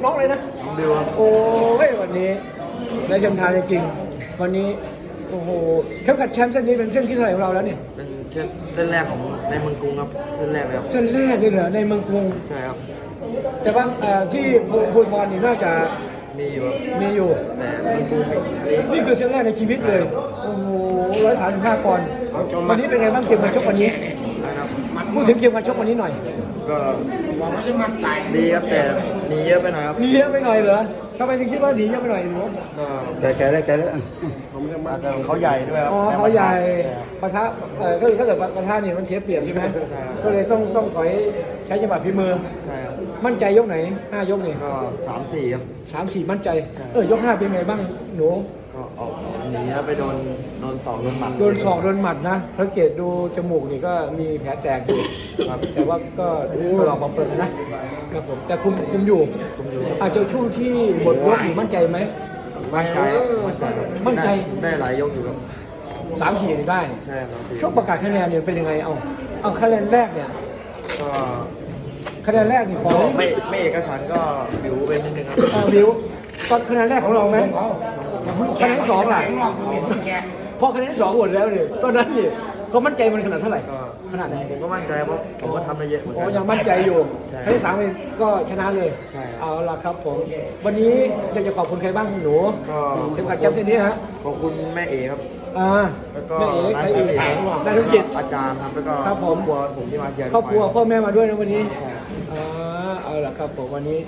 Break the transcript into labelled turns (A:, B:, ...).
A: น้องเลยนะ
B: น้องดิวครับ
A: โอ้ยวันนี้ได้แชมป์ไทยจริงๆวันนี้โอ้โหเข็มขัดแชมป์เส้นนี้เป็นเส้นที่เท่าไหร่ของเราแล้วเนี่ย
B: เป็นเส้นแรกของในเมืองกรุงครับเส้นแรกเลยครับ
A: เส้นแรกเลยเหรอในเมืองกรุง
B: ใช่ครับ
A: แต่ว่าที่ภูธรนี่น่าจะ
B: มีอยู่ครับ
A: มีอยู่
B: แต่เมืองกรุงไม่
A: นี่คือเส้นแรกในชีวิตเลย โอ้โห135 ปอนด์วันนี้เป็นไงบ้างเกมการชกวันนี้
B: นะครับ
A: พูดถึงเกมการชกวันนี้หน่อย
B: ก็ดีครับแต่หนีเยอะไปหน่อยครับ
A: หนีเยอะไปหน่อยเหรอทำไมถึงคิดว่าหนีเยอะไปหน่อยหนู
B: ก็แกได้อาจจะเขาใหญ่ด้วยครับ
A: อ๋อเขาใหญ่ปะทะก็คือถ้าเกิดปะทะเนี่ยมันเสียเปรียบใช่ไหม
B: ใช่ครับ
A: ก็เลยต้องถอยใช้จังหวะฝีมือ
B: ใช่ครับ
A: มั่นใจยกไหน5 ยกนี่
B: ก็3-4ครับ
A: 3-4 มั่นใจ
B: ใช่
A: ยก 5 เป็นไงบ้างหนู
B: ก็ออกหนีแล้วไปโดนศอกโดนหมัด
A: โดนศอกโดนหมัดนะสังเกตดูจมูกนี่ก็มีแผลแตกอยู่ครับแต่ว่าก็ลองมาเปิดนะครับผมแต่คุมอยู่
B: คุมอยู่
A: อาจจะช่วงที่หมดยกนี่มั่นใจไหม
B: มั่นใจครับมั่นใจครับ
A: มั่นใจ
B: ได้หลายยกอยู่ครับ
A: 3 ทีนี่ได้
B: ใช่ครับ
A: ช่วงประกาศคะแนนเนี่ยเป็นยังไงเอาคะแนนแรกเนี่ย
B: ก็
A: คะแนนแรกนี่ของ
B: ไม่เอกฉันท์ก็บิวไปนิดนึงครับ
A: วิวตอนคะแนนแรกของเราไหมคะแนนสองล่ะพอคะแนนสองหมดแล้วเนี่ยตอนนั้นนี่เขามั่นใจมันขนาดเท่าไหร่
B: ก็
A: ขนาดไหน
B: ผมก็มั่นใจเพราะผมก็ทำได้เยอะเหมือน
A: โอ้
B: กัน
A: ยังมั่นใจอยู่
B: ใช่
A: คะแนนสามเองก็ชนะเลย
B: ใช่ครับ
A: เอาล่ะครับผมวันนี้อยากจะขอบคุณใครบ้างหนู
B: ก็
A: เข็มขัดแชมป์เส้นนี้ฮะ
B: ขอบคุณแม่เอครับ แล้วก็
A: แม่เอ๋ใครอีก
B: ร้าน
A: นายธุรกิจ
B: อาจารย์ครับแล้วก็
A: ครับผม
B: ครอบครัวผมที่มาเชียร์
A: ครอบครัวพ่อแม่มาด้วยนะวันนี้
B: ใช่
A: เอาล่ะครับผมวันนี้